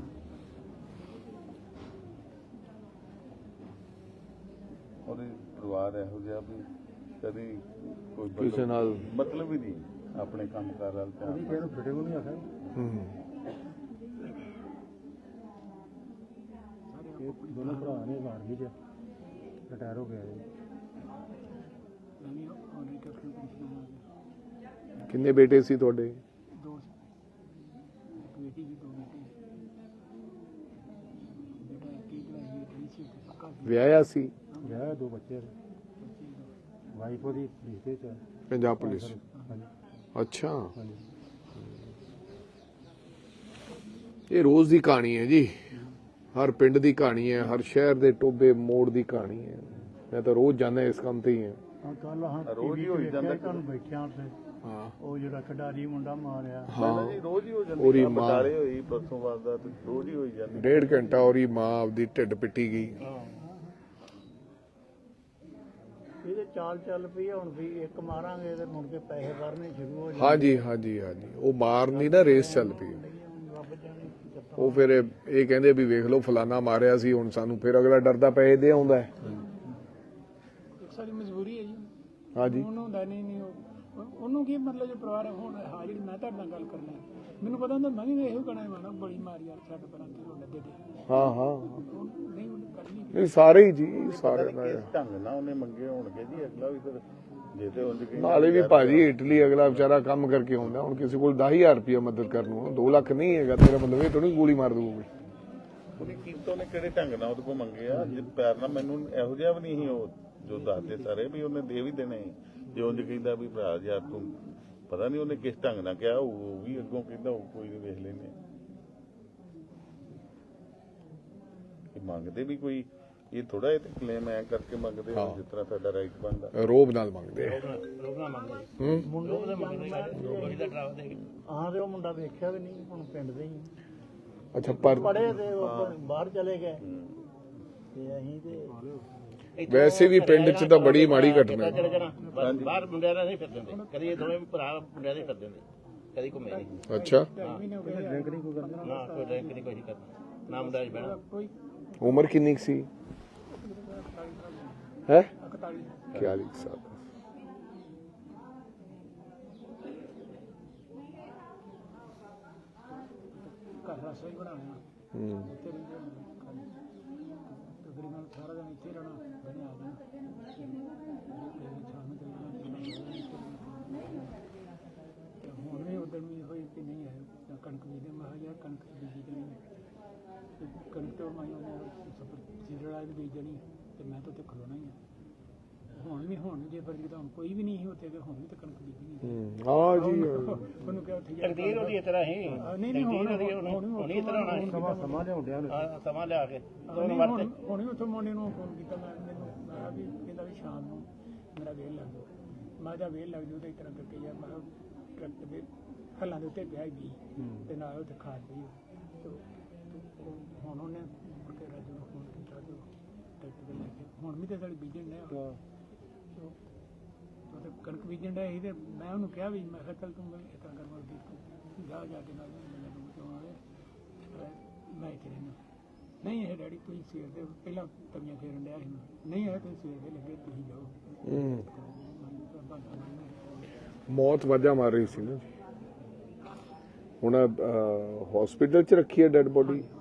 S3: ਉਹਦੇ ਪਰਿਵਾਰ ਇਹੋ ਜਿਹਾ ਵੀ ਕਦੀ ਕੋਈ
S2: ਕਿਸੇ ਨਾਲ
S3: ਮਤਲਬ ਹੀ ਨਹੀਂ ਆਪਣੇ ਕੰਮ ਕਾਰ ਵੱਲ ਧਿਆਨ।
S5: ਇਹਨੂੰ ਫਿਟੇ ਨੂੰ ਨਹੀਂ ਆਖਿਆ।
S2: ਹੂੰ
S5: ਇਹ ਦੋਨੋਂ ਭਰਾ ਨੇ ਆਰਮੀ ਚ ਰਿਟਾਇਰ ਹੋ ਗਿਆ ਜੀ।
S1: ਨਵੀਂ ਆਨਰੀ ਕੈਪਟਨ ਪੈਨਸ਼ਨ ਆ ਗਿਆ।
S2: ਕਿੰਨੇ ਬੇਟੇ ਸੀ ਤੁਹਾਡੇ?
S1: ਦੋ ਇੱਕ ਬੇਟੀ ਜੀ, ਦੋ ਬੇਟੇ। ਬੇਟਾ ਇੱਕ ਹੀ ਪੜਾਈ ਇਟਲੀ ਸੀ ਤੇ ਪੱਕਾ ਸੀ।
S2: ਵਿਆਹਿਆ ਸੀ?
S5: ਵਿਆਹ ਦੋ ਬੱਚੇ ਨੇ, ਵਾਈਫ ਉਹਦੀ ਪੁਲਿਸ ਦੇ ਚ ਹੈ।
S2: ਪੰਜਾਬ ਪੁਲਿਸ?
S5: ਹਾਂਜੀ
S2: ਅੱਛਾ,
S5: ਹਾਂਜੀ।
S2: ਇਹ ਰੋਜ਼ ਦੀ ਕਹਾਣੀ ਹੈ ਜੀ, ਹਰ ਪਿੰਡ ਦੀ ਕਹਾਣੀ ਹੈ, ਹਰ ਸ਼ਹਿਰ ਦੇ ਟੋਬੇ ਮੋੜ ਦੀ ਕਹਾਣੀ ਹੈ। ਮੈਂ ਤਾਂ ਰੋਜ਼ ਜਾਂਦਾ ਇਸ ਕੰਮ ਤੇ ਹੀ ਹਾਂ।
S6: ਹਾਂ ਕੱਲ ਹਾਂ
S3: ਰੋਜ਼ ਹੀ ਹੋਈ ਜਾਂਦਾ।
S6: ਤੁਹਾਨੂੰ ਬੈਠਿਆਂ ਤੇ
S2: ਹਾਂ
S6: ਉਹ ਜਿਹੜਾ ਖਿਡਾਰੀ ਮੁੰਡਾ ਮਾਰਿਆ,
S2: ਹਾਂ,
S3: ਜੀ ਰੋਜ਼ ਹੀ ਹੋ
S2: ਉਹਦੀ
S3: ਜਾਂਦੀ।
S2: ਮਾਂ-
S3: ਬਟਾਲੇ ਹੋਈ ਪਰਸੋਂ ਬਾਅਦ ਦਾ, ਤੇ ਰੋਜ਼ ਹੀ ਹੋਈ ਜਾਂਦੀ।
S2: ਡੇਢ ਘੰਟਾ ਉਹਦੀ ਮਾਂ ਆਪਦੀ ਢਿੱਡ ਪਿੱਟੀ ਗਈ।
S6: ਇਹਦੇ ਚਾਲ ਚੱਲ ਪਈ ਹੁਣ ਵੀ ਇੱਕ ਮਾਰਾਂਗੇ ਤੇ ਮੁੜ ਕੇ ਪੈਸੇ ਭਰਨੇ ਸ਼ੁਰੂ ਹੋ ਜਾਣਗੇ।
S2: ਹਾਂਜੀ ਹਾਂਜੀ ਹਾਂਜੀ, ਉਹ ਮਾਰਨੀ ਨਾ ਰੇਸ ਚੱਲ ਪਈ।
S6: ਰੱਬ ਜਾਣੇ ਕੀ ਕਰਤਾ।
S2: ਉਹ ਫਿਰ ਇਹ ਇਹ ਕਹਿੰਦੇ ਵੀ ਵੇਖ ਲਓ ਫਲਾਨਾ ਮਾਰਿਆ ਸੀ, ਹੁਣ ਸਾਨੂੰ ਫਿਰ ਅਗਲਾ ਡਰਦਾ ਪੈਸੇ ਦੇ ਆਉਂਦਾ ਹੈ।
S1: ਇੱਕ ਸਾਡੀ ਮਜਬੂਰੀ ਹੈ ਜੀ।
S2: ਹਾਂਜੀ,
S1: ਉਹਨੂੰ ਹੁੰਦਾ ਨਹੀਂ ਨਹੀਂ ਉਹ- ਉਹਨੂੰ ਕੀ ਮਤਲਬ, ਜੋ ਪਰਿਵਾਰ ਹੁਣ ਹਾਂ ਜਿਹੜੀ ਮੈਂ ਤੁਹਾਡੇ ਨਾਲ ਗੱਲ ਕਰਨਾ, ਮੈਨੂੰ ਪਤਾ ਹੁੰਦਾ ਮੈਂ ਵੀ ਇਹੋ ਕਹਿਣਾ ਮਾਣਾ ਬੜੀ ਮਾਰੀ ਯਾਰ ਛੱਡ ਪਰਾਂ ਕੀ ਹੋਣਾ ਦੇ ਦੇ।
S2: ਹਾਂ ਹਾਂ,
S1: ਉਹ ਨਹੀਂ ਉਹਨੇ ਕਰਨੀ
S2: ਇਹ ਸਾਰੇ ਹੀ ਜੀ, ਸਾਰੇ
S3: ਪਤਾ ਨੀ ਕਿਸ ਢੰਗ ਨਾਲ ਉਹਨੇ ਮੰਗੇ ਹੋਣਗੇ ਜੀ। ਅਗਲਾ ਵੀ ਫਿਰ ਜੇ ਤੇ ਉਂਝ ਕਹੀ
S2: ਨਾਲੇ ਵੀ ਭਾਜੀ ਇਟਲੀ ਅਗਲਾ ਵਿਚਾਰਾ ਕੰਮ ਕਰਕੇ ਆਉਂਦਾ, ਹੁਣ ਕਿਸੇ ਕੋਲ ਦਸ ਹਜ਼ਾਰ ਰੁਪਇਆ ਮਦਦ ਕਰਨ ਨੂੰ ਦੋ ਲੱਖ ਨਹੀਂ ਹੈਗਾ, ਤੇਰਾ ਮਤਲਬ ਇਹ ਥੋੜੀ ਗੋਲੀ ਮਾਰ ਦੂਗੀ।
S3: ਉਹਨੇ ਕੀਮਤੋਂ ਨੇ ਕਿਹੜੇ ਢੰਗ ਨਾਲ ਉਹਦੇ ਕੋਲ ਮੰਗੇ ਆ। ਜੇ ਪਿਆਰ ਨਾਲ ਮੈਨੂੰ ਇਹੋ ਜਿਹਾ ਵੀ ਨਹੀਂ ਸੀ ਉਹ ਜੋ ਦੱਸਦੇ ਸਾਰੇ ਵੀ ਉਹਨੇ ਦੇ ਵੀ ਦੇਣੇ। ਜੇ ਉਂਝ ਕਹਿੰਦਾ ਵੀ ਭਰਾ ਯਾਰ ਤੂੰ ਪਤਾ ਨਹੀਂ ਉਹਨੇ ਕਿਸ ਢੰਗ ਨਾਲ ਕਿਹਾ, ਉਹ ਵੀ ਅੱਗੋਂ ਕਹਿੰਦਾ ਉਹ ਕੋਈ ਨਹੀਂ ਵੇਖ ਲੈਨੇ ਕਿ ਮੰਗਦੇ ਵੀ ਕੋਈ। ਇਹ ਥੋੜਾ ਇਹ ਤੇ ਕਲੇਮ ਐ ਕਰਕੇ ਮੰਗਦੇ ਹੋ ਜਿਸ ਤਰ੍ਹਾਂ ਤੁਹਾਡਾ ਰਾਈਟ ਬਣਦਾ।
S2: ਰੋਬ ਨਾਲ ਮੰਗਦੇ ਆ।
S4: ਰੋਕਣਾ ਮੰਗਦੇ
S2: ਹੂੰ,
S6: ਮੁੰਡੇ ਦੇ ਮੰਗਦੇ
S4: ਰੋਟੀ ਦਾ ਡਰਾਵਾ ਦੇ ਕੇ।
S6: ਹਾਂ ਤੇ ਉਹ ਮੁੰਡਾ ਵੇਖਿਆ ਵੀ ਨਹੀਂ, ਹੁਣ ਪਿੰਡ ਦੇ ਹੀ
S2: ਅੱਛਾ, ਪਰ
S6: ਪੜੇ ਤੇ ਉਹ ਬਾਹਰ ਚਲੇ ਗਏ ਤੇ ਅਸੀਂ ਤੇ
S2: ਵੈਸੇ ਵੀ ਪਿੰਡ 'ਚ ਤਾਂ ਬੜੀ ਮਾੜੀ ਘਟਨਾ ਹੈ।
S4: ਚਲੇ ਜਾਣਾ ਬਸ ਬਾਹਰ ਮੁੰਡਿਆਂ ਨਾਲ ਨਹੀਂ ਫਿਰ ਦਿੰਦੇ, ਕਦੀ ਇਹ ਦੋਵੇਂ ਭਰਾ ਮੁੰਡਿਆਂ ਦੇ ਫਿਰ ਦਿੰਦੇ, ਕਦੀ ਘੁੰਮੇ ਨਹੀਂ।
S2: ਅੱਛਾ,
S1: ਮਹੀਨੇ ਹੋ ਗਏ
S5: ਡਰਿੰਕ ਨਹੀਂ ਕੋਈ ਕਰਦਾ।
S4: ਨਾ ਕੋਈ ਡਰਿੰਕ ਨਹੀਂ ਕੋਈ ਕਰਦਾ। ਨਾ ਮੁੰਡਾ ਜੀ ਬਹਿਣਾ
S1: ਕੋਈ
S2: ਉਮਰ ਕਿੰਨੀ ਕੁ ਸੀ ਹੈ
S1: ਇਕਤਾਲੀ
S2: ਚਾਲੀ ਸਾਲ
S1: ਘਰ ਰਸੋਈ ਬਣਾਉਣਾ
S2: ਹੂੰ
S1: ਇੱਥੇ ਰਹਿੰਦੇ ਹਾਂ। ਤਕਰੀਬਨ ਸਾਰਾ ਦਿਨ ਇੱਥੇ ਰਹਿਣਾ ਦਿਨੇ ਆ ਜਾਣਾ ਸ਼ਾਮ ਨੂੰ ਚਲੇ ਜਾਣਾ। ਤੇ ਹੁਣ ਵੀ ਉਦੋਂ ਵੀ ਹੋਈ ਕਿ ਨਹੀਂ ਆਏ ਜਾਂ ਕਣਕ ਬੀਜਦੇ ਮੈਂ ਕਿਹਾ ਯਾਰ ਕਣਕ ਬੀਜੀ ਦੇਣੀ ਤੇ ਕਣਕ ਤੋਂ ਮੈਂ ਉਹਨੇ ਸਫਰ ਸੀਜ਼ਨ ਵਾਲੀ ਬੀਜ ਦੇਣੀ ਤੇ ਮੈਂ ਤਾਂ ਉੱਥੇ ਖਲੋਣਾ ਹੀ ਆ। ਹੁਣ ਵੀ ਹੁਣ ਜੇ ਵਰਗੀ ਤਾਂ ਹੁਣ ਕੋਈ ਵੀ ਨਹੀਂ ਸੀ ਉੱਥੇ ਤੇ ਹੁਣ ਵੀ ਤਾਂ ਕਣਕ ਬੀਜਣੀ
S2: ਹੂੰ ਹਾਂ ਜੀ
S1: ਉਹਨੂੰ ਕਿਹਾ ਉੱਥੇ ਜਾ ਕੇ
S4: ਤਕਦੀਰ ਉਹਦੀ ਇਸ ਤਰ੍ਹਾਂ ਹੀ
S1: ਨਹੀਂ ਨਹੀਂ ਹੁਣ
S4: ਹੁਣ ਇਸ ਤਰ੍ਹਾਂ ਹੋਣਾ
S5: ਸਮਾਂ ਸਮਾਂ ਲਿਆਉਣ ਡਿਆ ਉਹਨੇ।
S4: ਹਾਂ, ਸਮਾਂ ਲਿਆ ਕੇ
S1: ਹੁਣ ਹੁਣ ਹੁਣ ਵੀ ਉੱਥੋਂ ਮੁੰਡੇ ਨੂੰ ਫੋਨ ਕੀਤਾ ਮੈਂ ਮੈਨੂੰ ਮੈਂ ਕਿਹਾ ਵੀ ਕਹਿੰਦਾ ਵੀ ਸ਼ਾਮ ਨੂੰ ਮੇਰਾ ਵੇਲ ਲੱਗ ਜਾਓ ਮੈਂ ਕਿਹਾ ਵੇਲ ਲੱਗ ਜਾਊ ਤੇ ਇਸ ਤਰ੍ਹਾਂ ਕਰਕੇ ਯਾਰ ਮੈਂ ਕਿਹਾ ਟਰੱਕ ਦੇ ਹੱਲਾਂ ਦੇ ਉੱਤੇ ਪਿਆ ਹੀ ਤੇ ਨਾਲ ਉੱਥੇ ਖਾਦ ਪਈ ਤੇ ਉਹ- ਹੁਣ ਉਹਨੇ ਮੁੜ ਕੇ ਰਾਜੂ ਨੂੰ ਫੋਨ ਕੀਤਾ ਤੇ ਟਰੈਕਟਰ ਤੇ ਲੈ ਕੇ ਹੁਣ ਵੀ ਤੇ ਸਾਡੀ ਬੀਜਣ ਡਿਆ ਉਹ ਤੇ ਕਣਕ ਬੀਜਣ ਡਿਆ ਸੀ ਤੇ ਮੈਂ ਉਹਨੂੰ ਕਿਹਾ ਵੀ ਮੈਂ ਕਿਹਾ ਚੱਲ ਤੂੰ ਇਸ ਤਰ੍ਹਾਂ ਕਰ ਮਰਦੀ ਤੂੰ ਜਾ ਜਾ ਕੇ ਨਾਲ ਮੈਨੂੰ ਦੂਰ ਤੋਂ ਆਵੇ ਮੈਂ ਇੱਥੇ ਰਹਿਣਾ ਨਹੀਂ ਇਹ ਡੈਡੀ ਤੁਸੀਂ ਸਵੇਰ ਦੇ ਪਹਿਲਾਂ ਤਵੀਆਂ ਫੇਰਨ ਡਿਆ ਸੀ ਨਹੀਂ ਇਹ ਤੁਸੀਂ ਸਵੇਰ ਦੇ ਲੱਗੇ ਤੁਸੀਂ ਜਾਓ
S2: ਹੂੰ
S1: ਬਹਾਨਾ ਮਾਰਨਾ।
S2: ਮੌਤ ਵਾਜਾ ਮਾਰ ਰਹੀ ਸੀ ਨਾ ਜੀ ਹੁਣ ਹਸਪੀਟਲ ਚ ਰੱਖੀ ਹੈ ਡੈਡ ਬੋਡੀ